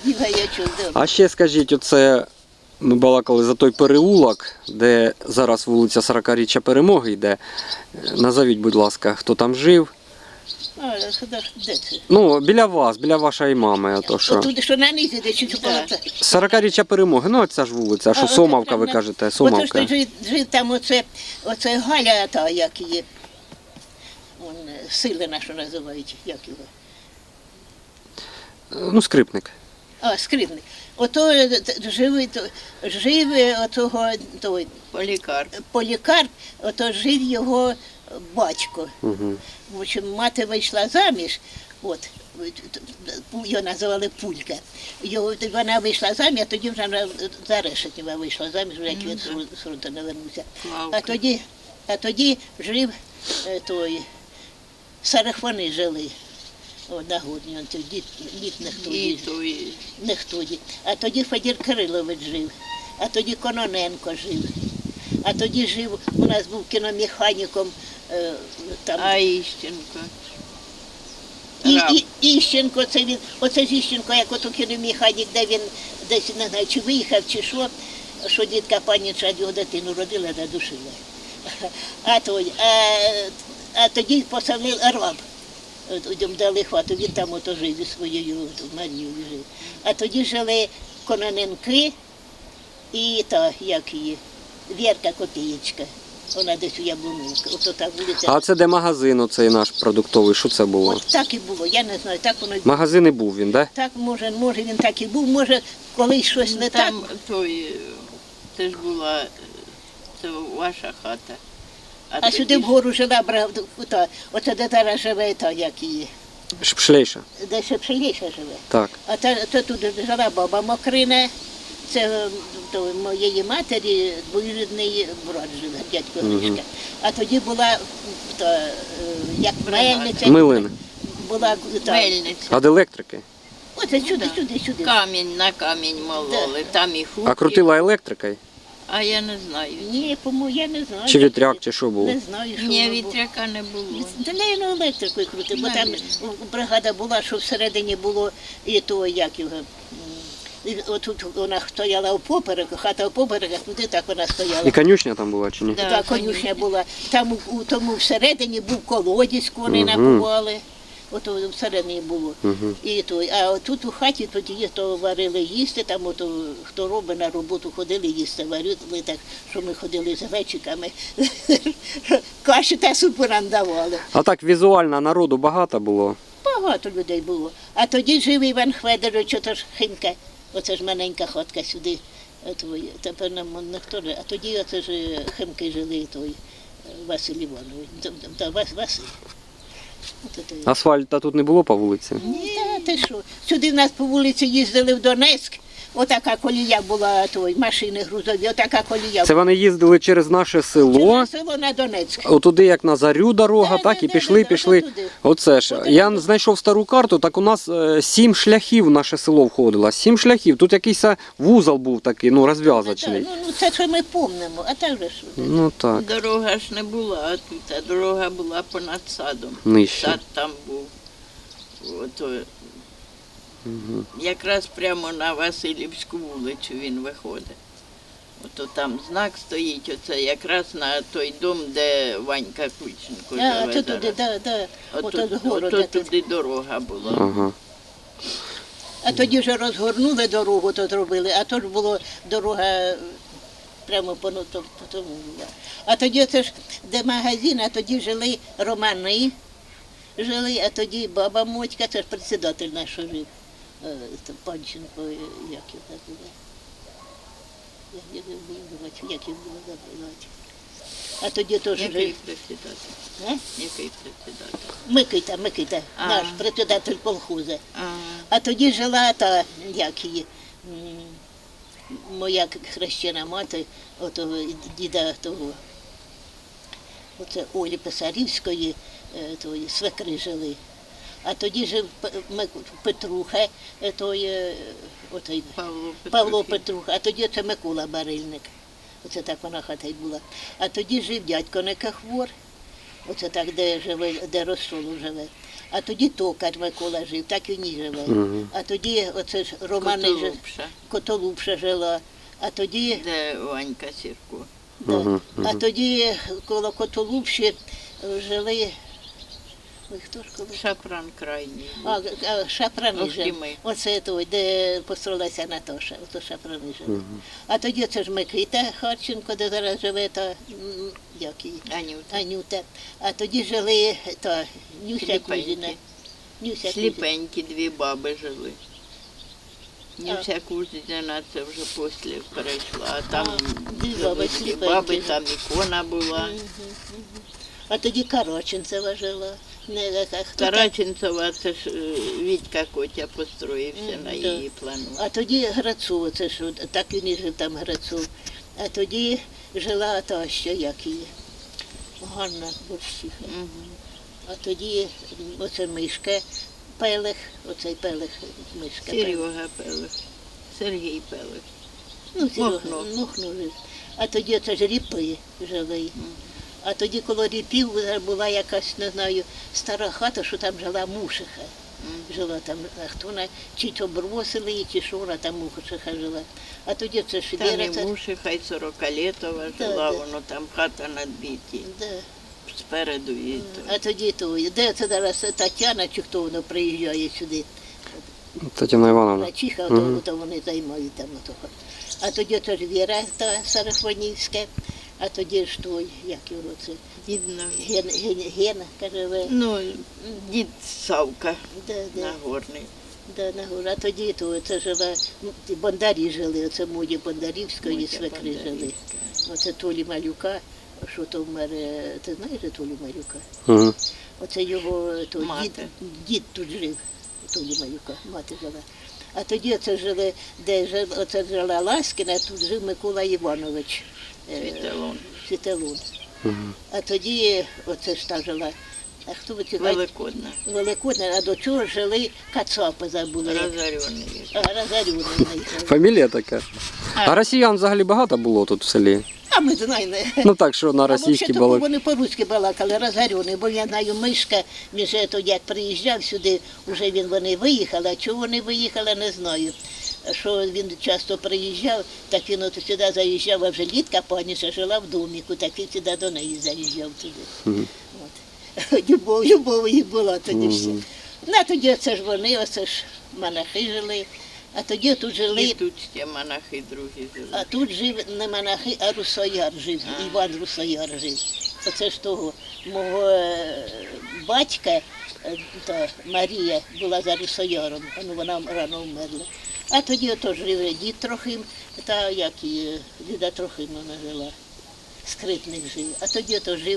А ще скажіть, оце ми балакали за той переулок, де зараз вулиця 40-річчя Перемоги йде. Назовіть, будь ласка, хто там жив? Де це? Ну, біля вас, біля вашої мами. Ото що. Отуди, що на низі, де чи полота. 40-річчя Перемоги, ну ця ж вулиця, а що оце Сомовка, прям ви на- кажете, Ото Сомовка. ж жив там оце Галя, та, як її, Силина, що називають, як його. Ну, скрипник. А, Скрипник. Ото жив отого той Полікарп, ото жив його батько. Угу. В общем, мати вийшла заміж, його називали Пулька. Вона вийшла заміж, а тоді вже за Решетнєва вийшла заміж, вже як він з фронту не вернувся. А тоді жив той, Сарахвани жили. На Горній, дід не хтоді. А тоді Федір Кирилович жив, а тоді Кононенко жив, а тоді жив, у нас був кіномеханіком там. А Іщенко? Іщенко, це він, оце ж Іщенко, як ото кіномеханік, де він десь, не знаю, чи виїхав, чи що дідка паніча його дитину родила, задушила. А тоді посадив раб. Дали хвату, він там ото жив зі своєю Марією жив. А тоді жили Кононенки і та, як її, Вірка Копієчка. Вона десь у Яблуновці. Ото та вулиця. А це де магазин оцей наш продуктовий, що це було? От так і було, я не знаю, так воно й було. Магазин і був він, так? Так, може він так і був, може колись щось не так. Там це ж була, це ваша хата. А сюди вгору жила, оце де зараз живе, та як її, Шпшлейша. де ще Пшеліша живе. Так. А це тут жила баба Мокрина, це моєї матері двоюрідний брат живе, дядько Гришка. А тоді була як мельниця. Милин. Була Мельниця. А де електрики? Оце сюди. Камінь на камінь мололи, там і хук. А крутила електрикою? А я не знаю. Ні, по-моєму, я не знаю. Чи вітряк, чи що було? Не знаю, що Ні, воно було. вітряка не було. Та не електрикою крути, бо там бригада була, що всередині було і то, як його. Отут вона стояла впоперек, хата впоперек, а туди так вона стояла. І конюшня там була, чи ні? Да, Так, конюшня була. Там у тому всередині був колодязь, вони напували. Ото всередині було. І той. А тут у хаті тоді то варили їсти, там ото, хто робить на роботу, ходили їсти, варили так, що ми ходили з глечиками. Каші та супу нам давали. А так візуально народу багато було? Багато людей було. А тоді жив Іван Хведорович, ото ж Химка, оце ж маленька хатка сюди. Тепер нам ніхто не. А тоді оце ж Химки жили, той Василь Іванович. Василь. Асфальта тут не було по вулиці? Ні, ти що? Сюди в нас по вулиці їздили в Донецьк. Отака колія була, машини грузові, отака колія. Це вони їздили через наше село, Через село на Донецьк. отуди як на Зарю дорога, так, і пішли. отуди. Оце ж. Я знайшов стару карту, так у нас 7 шляхів в наше село входило. 7 шляхів. Тут якийсь вузол був такий, ну, розв'язочний. Ну, це що ми помнимо, а так же ж. Ну так, Дорога ж не була тут, а дорога була понад садом. нижче. Сад там був. Ото, якраз прямо на Васильівську вулицю він виходить. Ото там знак стоїть, оце якраз на той дом, де Ванька Кученко живе. А, туди, да. Ото туди дорога була. Ага. А тоді вже розгорнули дорогу, то зробили, а то ж була дорога прямо по тому. А тоді це ж, де магазин, а тоді жили романи, а тоді баба Мотька, це ж председатель наш жив, Панченко, як його забула. Як його було забувати. А тоді теж Який жив. председатель? Який председатель? Микита, наш председатель колхозу. А, А тоді жила та, як її, моя хрещена мати, отого діда того, оце Олі Писарівської, тої свекри жили. А тоді жив Петруха, отой Павло Петруха, а тоді це Микола Барильник. Оце так вона хата й була. А тоді жив дядько Некахвор, оце так, де живе, де Розсолу живе. А тоді токар Микола жив, так він і живе. А тоді оце ж Романи Котолупша, Котолупша жила. А тоді, де Ванька Сірко. да, а тоді коло Котолупші жили. Ой, хто ж коли? Шапран крайній. Шапрани Ох, жили. і ми. Оце той, де построилася Наташа, ото Шапрани жили. А тоді це ж Микита Харченко, де зараз живе, та як її? Анюта. Анюта. А тоді жили та Нюся Сліпенькі. Кузіна. Нюся Кузіна. Сліпенькі дві баби жили. Нюся Кузіна, це вже після перейшла, а там дві жили баби дві сліпенькі. баби, там ікона була. А тоді Караченцева жила. Не, хто там? Караченцева, це ж Вітька Котя построївся на да. її плану. А тоді Грацов, це ж, так він і жив там Грацов. А тоді жила та ще як її, Ганна Борщиха. А тоді оце Мишка Пелех, оцей Пелех, Мишка Пелех. Серега Пелех, Сергій Пелех. Ну, Серега, Мохно. Мохно жив. А тоді оце ж Ріпи жили. А тоді коло Ріпів була якась, не знаю, стара хата, що там жила Мушиха. Жила там, а хто вона, чи то бросили її, чи що вона там Мушиха жила. А тоді це ж Та не Віра, це... муші, хай 40-літова Да, жила, да. воно там хата надбиті, Да. спереду і то. А тоді то, де це зараз Тетяна, чи хто воно приїжджає сюди, Тетяна Івановна. Чиха, то вони займають там. Ото. А тоді це ж Віра та Сарафонівська, а тоді ж той, як його це, Дідно. Гена, каже, Ну, дід Савка да. Нагорний. Да, на гору. А тоді то це жила, ну, ті бондарі жили, оце Моді Бондарівської Мотя свекри жили. Бондарівська. Оце Толі Малюка, що то вмер, ти знаєш Толі Малюка? Угу. Оце його то, Мати. дід тут жив, Толі Малюка, мати жила. А тоді оце жили, оце жила Ласкіна, тут жив Микола Іванович. Світелон. Світелун. А тоді оце ж та жила. А хто ви ці Великодна. Великодна, а до чого жили Кацапи забули. Розорюваний. Розорюваний. Фамілія така. А росіян взагалі багато було тут в селі? А ми знаємо. Ну так, що на А російській взагалі були. вони по-руськи балакали, розорюваний, бо я знаю, Мишка, він же тоді як приїжджав сюди, вже вони виїхали, а чого вони виїхали, не знаю. Що він часто приїжджав, так він от сюди заїжджав, а вже Літка паніша жила в доміку, так він сюди до неї заїжджав туди. От. Любов їх була тоді все. Ну, а тоді це ж вони, оце ж монахи жили, а тоді тут жили. І тут ще монахи другі жили. А тут жив не монахи, а русояр жив, Іван Русояр жив. Оце ж того мого батька, та Марія була за русояром, ну вона рано вмерла. А тоді ото жив дід Трохим, та як і Ліда Трохим вона жила, Скрипник жив. А тоді ото жив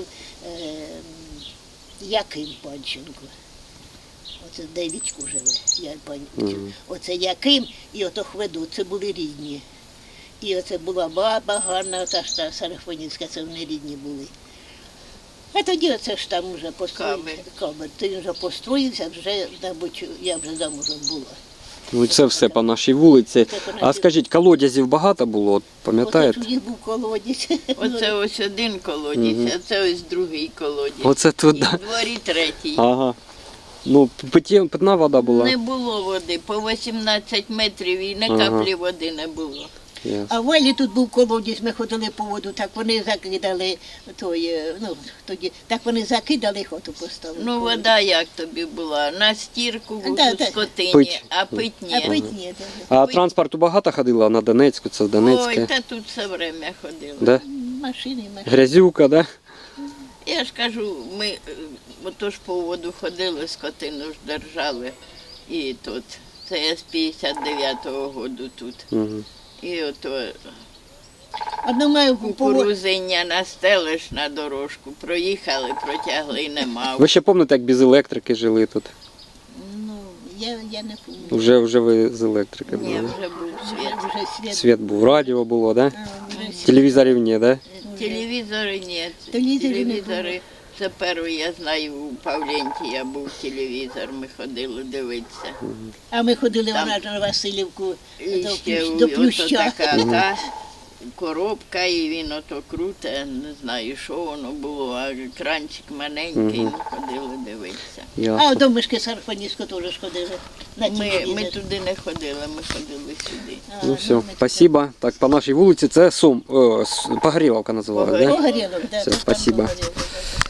Яким Панченко. Оце де Вітько живе, Оце Яким і ото Хведу, це були рідні. І оце була баба Ганна, та ж та Сарафонівська, це вони рідні були. А тоді оце ж там вже построївся. Камер. Ти вже построївся, вже, мабуть, я вже замужем була. Ну це все по нашій вулиці. А скажіть, колодязів багато було, от пам'ятаєте? Оце тоді був колодязь. Оце ось один колодязь, а це ось другий колодязь. Оце І туди. в дворі третій. Ага. Ну, питна вода була. Не було води, по 18 метрів і не каплі води не було. Ясно. А в Валі тут був колодязь, ми ходили по воду, так вони закидали той, ну, тоді, так вони закидали, хату поставили. Ну, вода як тобі була? На стірку Да, у да. скотині, Пить. а пить А ні. пить ні. А транспорту багато ходило на Донецьку, це в Ой, Донецьке. та тут все время ходили. Да? Машини. Грязюка, да? Я ж кажу, ми отож по воду ходили, скотину ж держали. І тут, це я з 59-го году тут. Угу. І ото А ми маємо по воду. кукурузиння настелиш на дорожку, проїхали, протягли і нема. Ви ще пам'ятаєте, як без електрики жили тут? Ну, я не пам'ятаю. Вже ви з електрики Ні, були. вже був світ. Вже світ. Світ був, радіо було, да? Вже світ. Телевізорів ні, да? Телевізори ні. Телевізорів не Телевізори. Це перший, я знаю, у Павленті був телевізор, ми ходили дивитися. А ми ходили Там. на Васильівку І ще до ото Плюща. така, та, коробка, і він ото круте, не знаю, що воно було, а кранчик маленький, Мгм. ну, ходили дивитися. А Ясно. до мишки Сарпанівську теж ж ходили. На ті Ми війни. туди не ходили, ми ходили сюди. А, Ну все, ми спасибо. Так, по нашій вулиці це Погоріловка називали, да? Погорілок, да, Все, там спасибо. Погорілок, да.